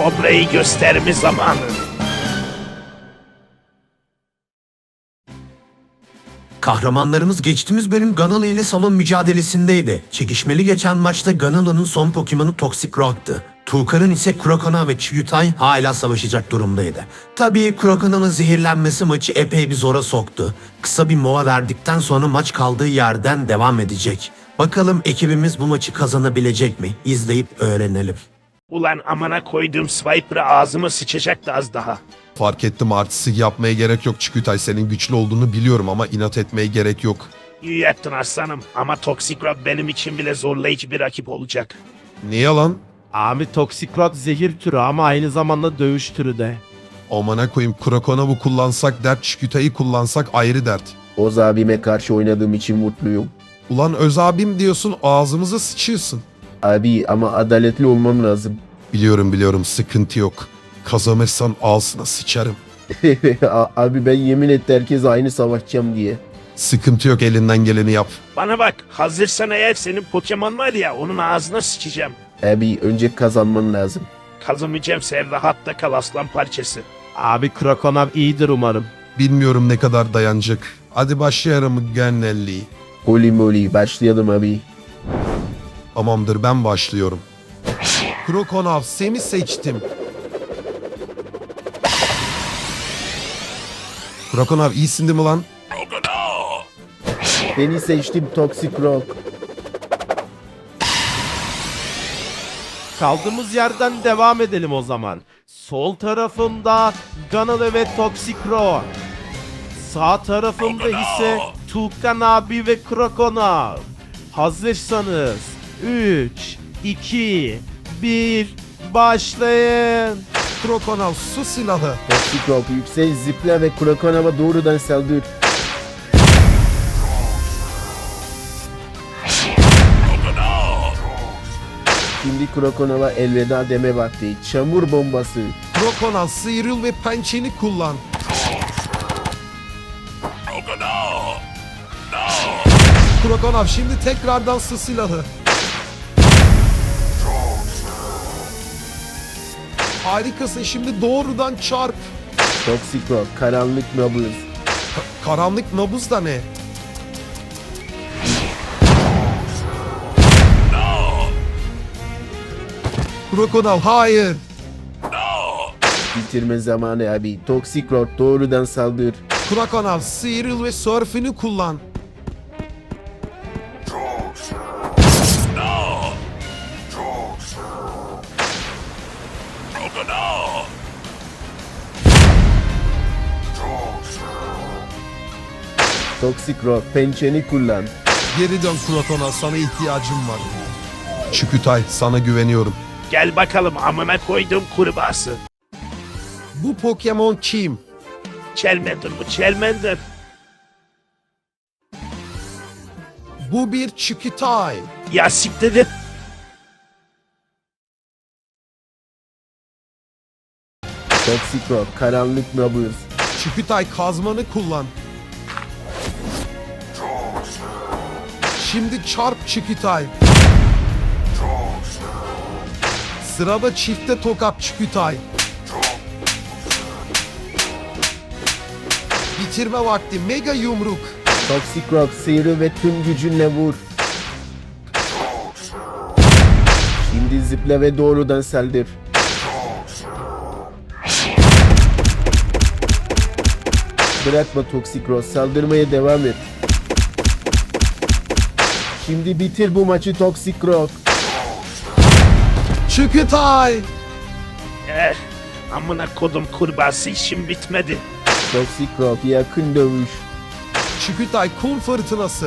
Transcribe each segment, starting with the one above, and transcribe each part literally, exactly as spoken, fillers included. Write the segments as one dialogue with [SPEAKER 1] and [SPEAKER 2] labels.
[SPEAKER 1] Kobra'yı gösterme zamanı.
[SPEAKER 2] Kahramanlarımız geçtiğimiz bölüm Ganalı ile salon mücadelesindeydi. Çekişmeli geçen maçta Ganalı'nın son Pokemon'u Toxic Rock'tı. Tulkar'ın ise Crocona ve Chiyutay hala savaşacak durumdaydı. Tabii Crocona'nın zehirlenmesi maçı epey bir zora soktu. Kısa bir mola verdikten sonra maç kaldığı yerden devam edecek. Bakalım ekibimiz bu maçı kazanabilecek mi? İzleyip öğrenelim.
[SPEAKER 1] Ulan amana koyduğum Swiper'ı ağzıma sıçacaktı az daha.
[SPEAKER 3] Fark ettim, artistik yapmaya gerek yok Çikütay. Senin güçlü olduğunu biliyorum ama inat etmeye gerek yok.
[SPEAKER 1] İyi yaptın aslanım ama Toxic Rock benim için bile zorlayıcı bir rakip olacak.
[SPEAKER 3] Ne yalan?
[SPEAKER 4] Abi Toxic Rock zehir türü ama aynı zamanda dövüş türü de.
[SPEAKER 3] Amına koyayım, Krokonav'ı kullansak dert, Çikütay'ı kullansak ayrı dert.
[SPEAKER 5] Oz abime karşı oynadığım için mutluyum.
[SPEAKER 3] Ulan öz abim diyorsun, ağzımıza sıçıyorsun.
[SPEAKER 5] Abi ama adaletli olmam lazım.
[SPEAKER 3] Biliyorum biliyorum, sıkıntı yok. Kazanırsan ağzına sıçarım.
[SPEAKER 5] Abi ben yemin etti herkes aynı savaşacağım diye.
[SPEAKER 3] Sıkıntı yok, elinden geleni yap.
[SPEAKER 1] Bana bak, hazırsan eğer senin Pokemon var ya, onun ağzına sıçacağım.
[SPEAKER 5] Abi önce kazanman lazım.
[SPEAKER 1] Kazanmayacağım, sen rahatta kal aslan parçası.
[SPEAKER 4] Abi Krokonav iyidir umarım.
[SPEAKER 3] Bilmiyorum ne kadar dayanacak. Hadi başlayalım Gennelli.
[SPEAKER 5] Holy moly başlayalım abi.
[SPEAKER 3] Tamamdır, ben başlıyorum. Krokonav, seni seçtim. Krokonav iyisin değil mi lan?
[SPEAKER 5] Beni seçtim Toxic Rock.
[SPEAKER 4] Kaldığımız yerden devam edelim o zaman. Sol tarafımda Ganalı ve Toxic Rock. Sağ tarafımda ise Tulkan abi ve Krokonav. Hazırsanız üç, iki, bir başlayın.
[SPEAKER 3] Krokonav, su silahı.
[SPEAKER 5] Toxic Rock yüksel zıpla ve Krokonav'a doğrudan saldır. Şimdi Krokonav'a elveda deme vakti. Çamur bombası.
[SPEAKER 3] Krokonav, sıyrıl ve pençeni kullan. Krokonav, şimdi tekrardan su silahı. Harikasın, şimdi doğrudan çarp.
[SPEAKER 5] Toxic Rock karanlık nabız.
[SPEAKER 3] Ka- karanlık nabız da ne? Krokonav, hayır.
[SPEAKER 5] Bitirme zamanı abi. Toxic Rock doğrudan saldır.
[SPEAKER 3] Krokonav, sıyrıl ve sörfünü kullan.
[SPEAKER 5] Toxic Rock pençeni kullan.
[SPEAKER 3] Geri dön Krokonav, sana ihtiyacım var. Çükütay, sana güveniyorum.
[SPEAKER 1] Gel bakalım amına koyduğum kurbağası.
[SPEAKER 3] Bu Pokemon kim?
[SPEAKER 1] Charmander bu, Charmander.
[SPEAKER 3] Bu bir Çükütay.
[SPEAKER 1] Ya siktir et.
[SPEAKER 5] Toxic Rock karanlık nabız.
[SPEAKER 3] Çükütay, kazmanı kullan. Şimdi çarp Çükütay. Sırada çifte tokat Çükütay. Bitirme vakti, mega yumruk.
[SPEAKER 5] Toxic Rock sıyrıl ve tüm gücünle vur. Şimdi zıpla ve doğrudan saldır. Bırakma Toxic Rock, saldırmaya devam et. Şimdi bitir bu maçı Toxic Rock.
[SPEAKER 3] Çükütay.
[SPEAKER 1] Eh, amına kodum kurbağası, işim bitmedi.
[SPEAKER 5] Toxic Rock yakın dövüş.
[SPEAKER 3] Çükütay, kum fırtınası.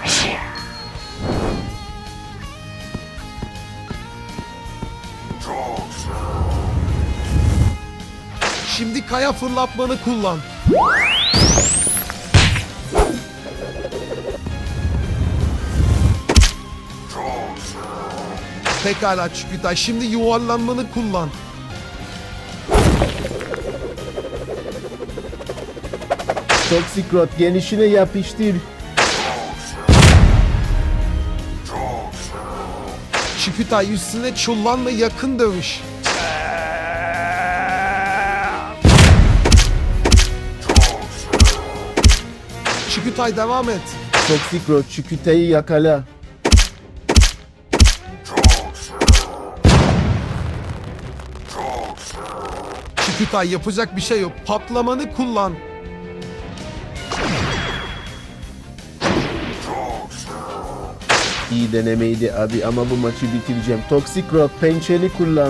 [SPEAKER 3] Şimdi kaya fırlatmanı kullan. Pekala Çükütay, şimdi yuvarlanmanı kullan.
[SPEAKER 5] Toxic Rock genişine yapıştır.
[SPEAKER 3] Çükütay, üstüne çullanma, yakın dövüş.
[SPEAKER 1] Eee,
[SPEAKER 3] Çikütay devam et.
[SPEAKER 5] Toxic Rock Çikütay'ı yakala.
[SPEAKER 3] Çikütay yapacak bir şey yok. Patlamanı kullan.
[SPEAKER 5] İyi denemeydi abi ama bu maçı bitireceğim. Toxic Rock pençeni kullan.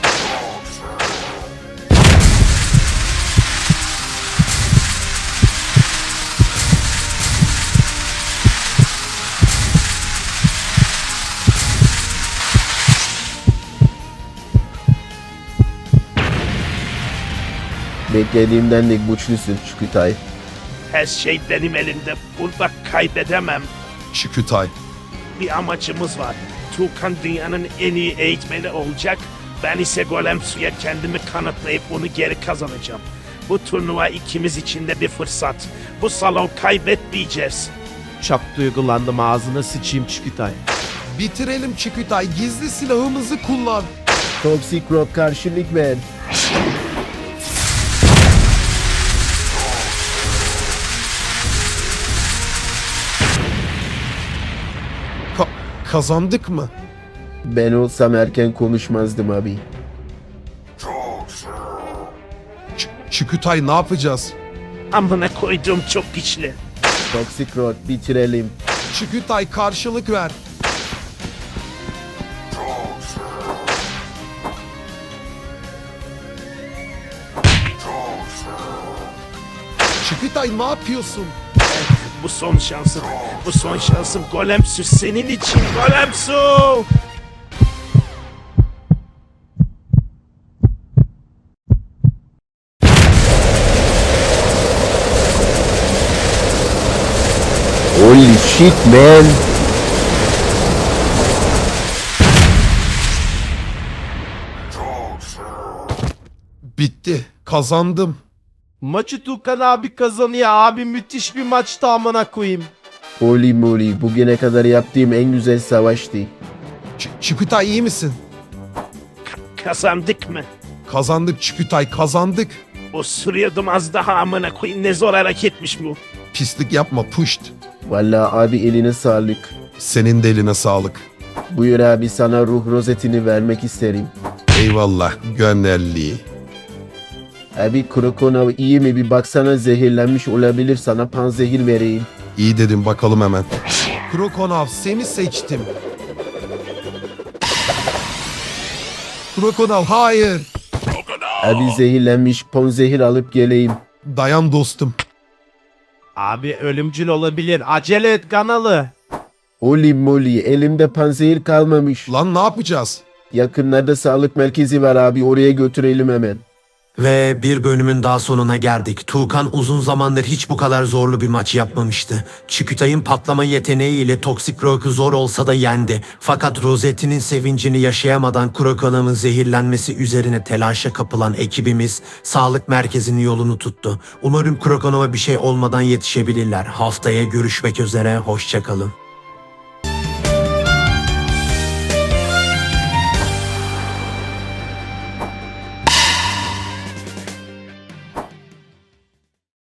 [SPEAKER 5] Beklediğimden de güçlüsün Çikütay.
[SPEAKER 1] Her şey benim elimde. Burada kaybedemem.
[SPEAKER 3] Çikütay.
[SPEAKER 1] Bir amacımız var. Tuğkan dünyanın en iyi eğitmeni olacak. Ben ise Golem Su'ya kendimi kanıtlayıp onu geri kazanacağım. Bu turnuva ikimiz için de bir fırsat. Bu salon kaybetmeyeceğiz.
[SPEAKER 4] Çok duygulandım, ağzına sıçayım Çikütay.
[SPEAKER 3] Bitirelim Çikütay. Gizli silahımızı kullan.
[SPEAKER 5] Toxic Rock karşılık ver.
[SPEAKER 3] Ka- kazandık mı?
[SPEAKER 5] Ben olsam erken konuşmazdım abi.
[SPEAKER 3] Ç- Çikütay ne yapacağız?
[SPEAKER 1] Amına koyduğum çok güçlü.
[SPEAKER 5] Toxic Rock bitirelim.
[SPEAKER 3] Çikütay karşılık ver. Çikütay ne yapıyorsun?
[SPEAKER 1] Bu son şansım. Bu son şansım. Golem Su senin için. Golem Su!
[SPEAKER 5] Holy shit man.
[SPEAKER 3] Bitti. Kazandım.
[SPEAKER 4] Maçı Tukan abi kazanıyor abi, müthiş bir maçtı amına koyayım.
[SPEAKER 5] Holy moly. Bugüne kadar yaptığım en güzel savaştı.
[SPEAKER 3] Ç- Çikütay iyi misin?
[SPEAKER 1] Ka- kazandık mı?
[SPEAKER 3] Kazandık Çikütay kazandık.
[SPEAKER 1] O sürüyordum az daha amına koyayım. Ne zor hareketmiş bu.
[SPEAKER 3] Pislik yapma puşt.
[SPEAKER 5] Vallahi abi eline sağlık.
[SPEAKER 3] Senin de eline sağlık.
[SPEAKER 5] Buyur abi, sana ruh rozetini vermek isterim.
[SPEAKER 3] Eyvallah gönderli.
[SPEAKER 5] Abi Krokonov iyi mi, bir baksana, zehirlenmiş olabilir, sana panzehir vereyim.
[SPEAKER 3] İyi dedim bakalım hemen. Krokonov seni seçtim. Krokonov hayır.
[SPEAKER 5] Abi zehirlenmiş, panzehir alıp geleyim.
[SPEAKER 3] Dayan dostum.
[SPEAKER 4] Abi ölümcül olabilir, acele et kanalı.
[SPEAKER 5] Holy moly, elimde panzehir kalmamış.
[SPEAKER 3] Lan ne yapacağız?
[SPEAKER 5] Yakınlarda sağlık merkezi var abi, oraya götürelim hemen.
[SPEAKER 2] Ve bir bölümün daha sonuna geldik. Tuğkan uzun zamandır hiç bu kadar zorlu bir maç yapmamıştı. Çikütay'ın patlama yeteneğiyle Toxic Rock'u zor olsa da yendi. Fakat Rosette'nin sevincini yaşayamadan Krokonav'ın zehirlenmesi üzerine telaşa kapılan ekibimiz sağlık merkezinin yolunu tuttu. Umarım Krokonav'a bir şey olmadan yetişebilirler. Haftaya görüşmek üzere, hoşçakalın.